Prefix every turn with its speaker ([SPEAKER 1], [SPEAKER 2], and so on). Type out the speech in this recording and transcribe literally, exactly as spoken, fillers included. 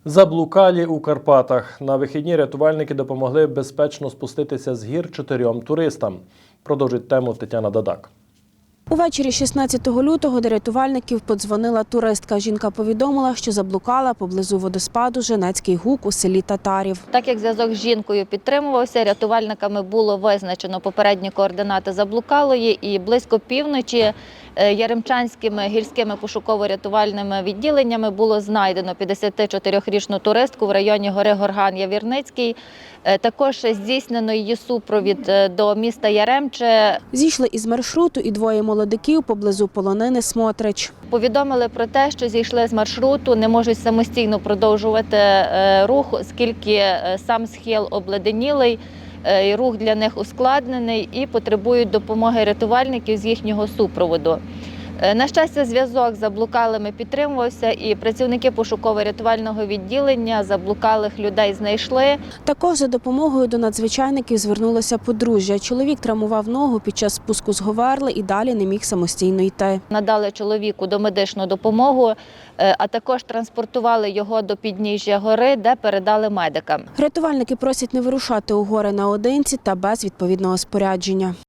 [SPEAKER 1] Заблукалі у Карпатах. На вихідні рятувальники допомогли безпечно спуститися з гір чотирьом туристам. Продовжить тему Тетяна Дадак.
[SPEAKER 2] Увечері шістнадцятого лютого до рятувальників подзвонила туристка. Жінка повідомила, що заблукала поблизу водоспаду Женецький Гук у селі Татарів.
[SPEAKER 3] Так як зв'язок з жінкою підтримувався, рятувальниками було визначено попередні координати заблукалої, і близько півночі Яремчанськими гірськими пошуково-рятувальними відділеннями було знайдено п'ятдесятичотирирічну туристку в районі гори Горган-Явірницький. Також здійснено її супровід до міста Яремче.
[SPEAKER 2] Зійшли із маршруту і двоє молодиків поблизу полонини Смотрич.
[SPEAKER 3] Повідомили про те, що зійшли з маршруту, не можуть самостійно продовжувати рух, оскільки сам схил обледенілий, рух для них ускладнений і потребують допомоги рятувальників з їхнього супроводу. На щастя, зв'язок з заблукалими підтримувався, і працівники пошуково-рятувального відділення заблукалих людей знайшли.
[SPEAKER 2] Також за допомогою до надзвичайників звернулося подружжя. Чоловік травмував ногу під час спуску з Говерли і далі не міг самостійно йти.
[SPEAKER 3] Надали чоловіку домедичну допомогу, а також транспортували його до підніжжя гори, де передали медикам.
[SPEAKER 2] Рятувальники просять не вирушати у гори наодинці та без відповідного спорядження.